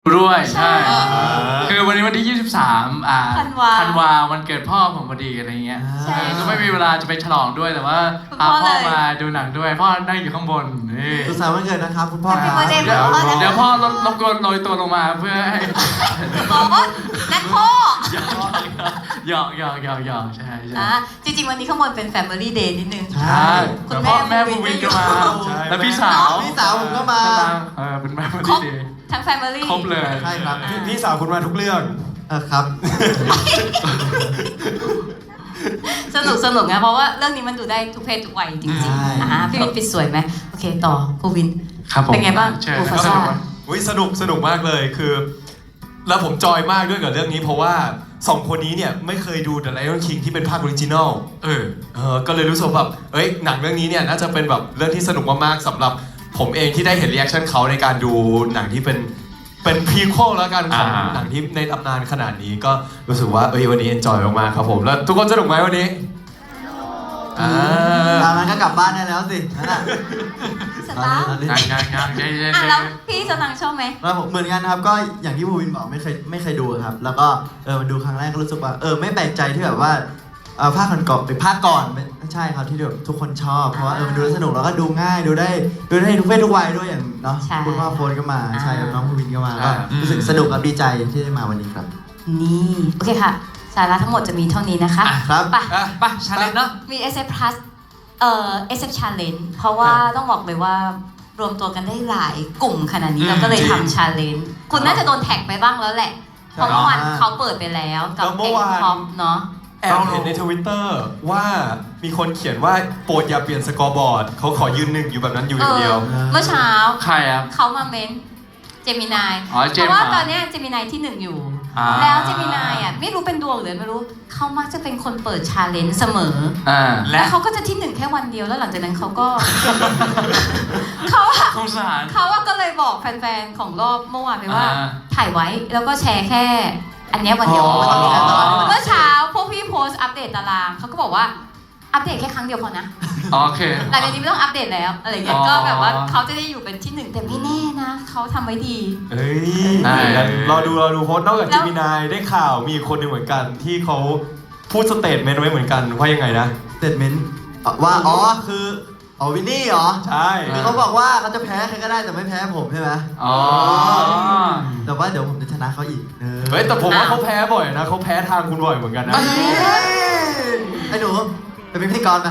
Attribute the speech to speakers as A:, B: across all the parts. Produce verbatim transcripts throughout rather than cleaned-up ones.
A: ด้วยใช่คือวันนี้วันที่ยี่สิบสามอ่า
B: ธันวา
A: ธันวาวันเกิดพ่อผมพอดีอะไรเงี้ย
B: ใช่
A: ก็ไม่มีเวลาจะไปฉลองด้วยแต่ว่า
B: คุณ
A: พา
B: พ่อ
A: พ่อ
B: เลย
A: มาดูหนังด้วยพ่อนั่งอยู่ข้างบนนี่
C: สุขสันต์วันเกิดนะครับคุณพ่อ
B: Happy
C: ครับ
B: birthday
A: เดี๋ยว
B: พ่อนะคะ
A: เดี๋ยวพ่อรบรบกวนโรยตัวลงมาเพื่อให้
B: บอกว่านักพ่อ
A: หยอกหยอกหยอกหยอกใช่ใช่
B: อ่ะจริงๆ วันนี้ข้างบนเป็น Family Day นิดนึง
C: ใช่
B: คุณ
A: แล้วพ่อ
B: แม่
A: แม่
B: บู
A: บู
B: วิ
A: วิ
B: น
A: น
B: ก็
A: ก็
B: มา
A: มา
C: ใช่
A: แล้วพี่สาว
C: พี่สาวผมก็มา
A: เออเป็นแม่บู
B: ครบ
A: ดี
B: ทั้ง Family
A: ครบเลย
C: ใช่ครับ
D: พี่พี่สาวคุณมาทุกเรื่อง
C: เออครับ
B: สนุกสนุกนะเพราะว่าเรื่องนี้มันดูได้ทุกเพศทุกวัยจริง
C: ใช่
B: ๆอ่ะพี่วินปิดสวยไหมโอเคต่อภูวิน
A: ครับผม
B: เป็นไงบ้าง
A: เชิญ
B: โอ้
A: ค
B: ฟา
A: รับ
B: ซ่า
D: อุ้ยสนุกสนุกมากเลยคือ แล้วผมจอยมากด้วยกับเรื่องนี้เพราะว่าสองคนนี้เนี่ยไม่เคยดู The Lion King ที่เป็นภาคออริจินอลเออเออก็เลยรู้สึกแบบเอ้ยหนังเรื่องนี้เนี่ยน่าจะเป็นแบบเรื่องที่สนุกมากๆสำหรับผมเองที่ได้เห็นรีแอคชั่นเขาในการดูหนังที่เป็นเป็นพรีควอลแล้วกันของ
A: อ่า
D: หนังที่ในตำนานขนาดนี้ก็รู้สึกว่าเอ้ยวันนี้เอนจอยมากๆครับผมแล้วทุกคนสนุกไหมวันนี้อ่า
C: ตามนั้นก็กลับบ้านได้แล้วสินั่นน่ะ
B: สตาร์
C: ตอนนี้
A: งานงานงานเย้เย้
B: อ่ะ
A: เย้
B: แล้วพี่สตังค์ชอบไหม
C: แล้วผมเหมือนกันครับก็อย่างที่ภูวินบอกไม่เคยไม่เคยดูครับ แล้วก็เออมาดูครั้งแรกก็รู้สึกว่าเออไม่แปลกใจที่แบบว่าเออภาคก่อนก่อนหรือภาคก่อนไม่ไม่ใช่ครับที่แบบทุกคนชอบเพราะว่าเออมันดูแล้วสนุกแล้วก็ดูง่ายดูได้ดูได้ทุกเพศทุกวัยด้วยอย่างเนาะคุณพ่อโฟนก็มาใช่ครับน้องภูวินก็มาก็รู้สึกสนุกกับดีใจที่ได้มาวันนี้ครับ
B: นี่โอเคค่ะสาระทั้งหมดจะมีเท่านี้นะคะ
C: ครับ
B: ไป
D: อ่ะ
E: ไปชาเลนจ์เนาะ
B: มี เอส เอฟ Plus เอ่อ เอส เอฟ Challenge เพราะว่าต้องบอกเลยว่ารวมตัวกันได้หลายกลุ่มขนาดนี้
D: อืม
B: เราก็เลย
D: จริง
B: ทำ Challenge คุณน่าจะโดนแท็กไปบ้างแล้วแหละ เพราะเมื่อวานเขาเปิดไปแล้วกับ
D: แล้วเมื่
B: เพล
D: อง วาน
B: พ็อปเนาะ
D: แอบเห็นในทวิตเตอร์ว่ามีคนเขียนว่าโปรดอย่าเปลี่ยนสกอร์บอร์ดเขาขอยืนหนึ่งอยู่แบบนั้นอยู่อย่างเดียว
B: เออเมื่อเช้า
A: ใครอ่ะ
B: เขามาเม้นเจมินาย
A: อ๋อเจ
B: เพ
A: มส์
B: ราะว่า
A: มา
B: ตอนเนี้ยเจมินายที่หนึ่งอยู่
A: อ่า
B: แล้วเจมินายอ่ะไม่รู้เป็นดวงหรือไม่รู้เขามักจะเป็นคนเปิดชาเลนจ์เสมอ
A: อ่า
B: และเขาก็จะที่หนึ่งแค่วันเดียวแล้วหลังจากนั้นเขาก็ เขาอะ
A: สงสาร
B: เขาอะก็เลยบอกแฟนๆของรอบเมื่อวานไปว่า
A: อ่า
B: ถ่ายไว้แล้วก็แชร์แค่ อันเนี้ยวันเดียว
C: อ๋อ
B: วันนี้
C: อ๋อ
B: เมื่อเช้าพวกพี่โพสต์อัปเดตตารางเขาก็บอกว่าอัปเดตแค่ครั้งเดียวพอนะ
A: โอเค
B: หลังจากนี้ไม่ต้องอัปเดตแล้วอะไรเงี้ย
A: อ๋อ
B: ก็แบบว่าเขาจะได้อยู่เป็นที่หนึ่งแต่ไม่แน่นะเขาทำไว้ดี
D: เอ้ย
A: ได้
D: รอดูรอดูเพราะนอกจาก
B: แล้
D: เจ
B: ว
D: มินายได้ข่าวมีอีกคนหนึ่งเหมือนกันที่เขาพูดสเตทเมนต์ไว้เหมือนกันว่ายังไงนะ
C: สเตทเมนต์ว่าอ๋อคืออ๋อวินนี่เหรอ
D: ใช่
C: คือเขาบอกว่าเขาจะแพ้ใครก็ได้แต่ไม่แพ้ผมใช่ไหม
A: อ๋อ
C: แต่ว่าเดี๋ยวผมจะชนะเขาอีกเออ
D: เฮ้ยแต่ผมว่าเขาแพ้บ่อยนะเขาแพ้ทางคุณบ่อยเหมือนกันนะ
C: เอ้ยไอ้หนูไปเป็นพิธีกรนะ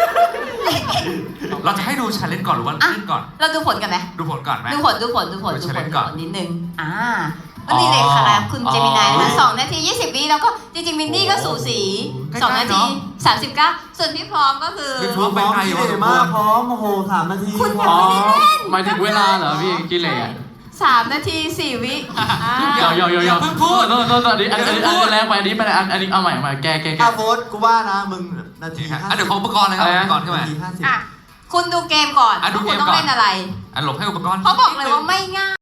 E: เราจะให้ดูชาเลนจ์ก่อนหรือว่า
B: อ่ะ
E: เล่นก่อน
B: เราดูผลกันไหม
E: ดูผลก่อนไหม
B: ดูผลดูผลดูผล
E: ดู
B: ดูผล
E: challenge
B: ดู
E: ก่
B: ผ
E: อน
B: ลนิดนึงอ่าวันนี้เลยค่ะคุณ
A: อ๋อ
B: เจมินายนะสองนาทียี่สิบวิแล้วก็จริงๆมินนี่ก็สูสี
E: ใกล้ๆ
B: สองนาที
E: เนอะ
B: สามสิบเก้าส่วนพี่พร้อมก็คือ
E: พร้อมไปไกล
C: ขี้
E: วะ
C: เหร่มากพร้อมโอ้โหสามนาที
B: คุณ
A: อ๋อหมายถึงเวลาเหรอพี่กิเลส
B: สามนาทีสี่วิอ่า
A: เดี๋ยวเดี๋ยวเดี๋ยว
E: อย่าเพิ่งพูด
A: โทษโทษโทษอันนี้อันนี้อันนี้แรงไปอันนี้ไปอันอันนี้เอาใหม่เอาใหม่แก้แก้แก้
C: อาโฟสกูว่านะมึงนาที
E: อ่ะ
C: ห้า
E: เดี๋ยวขออุปกรณ์เลยครับ
A: อะไร
E: อุ
A: นะ
E: ปกรณ์ขึ้นมา
C: นาทีห้าสิบ
B: อ่ะคุณดูเกมก่อน
E: อ่ะดู
B: ว่าคุณ
E: เกม
B: ต้อง
E: ก่อน
B: เล่นอะไร
E: อ่ะหลบให้อุปกรณ์
B: เพราะบอกเลยว่าไม่ง่าย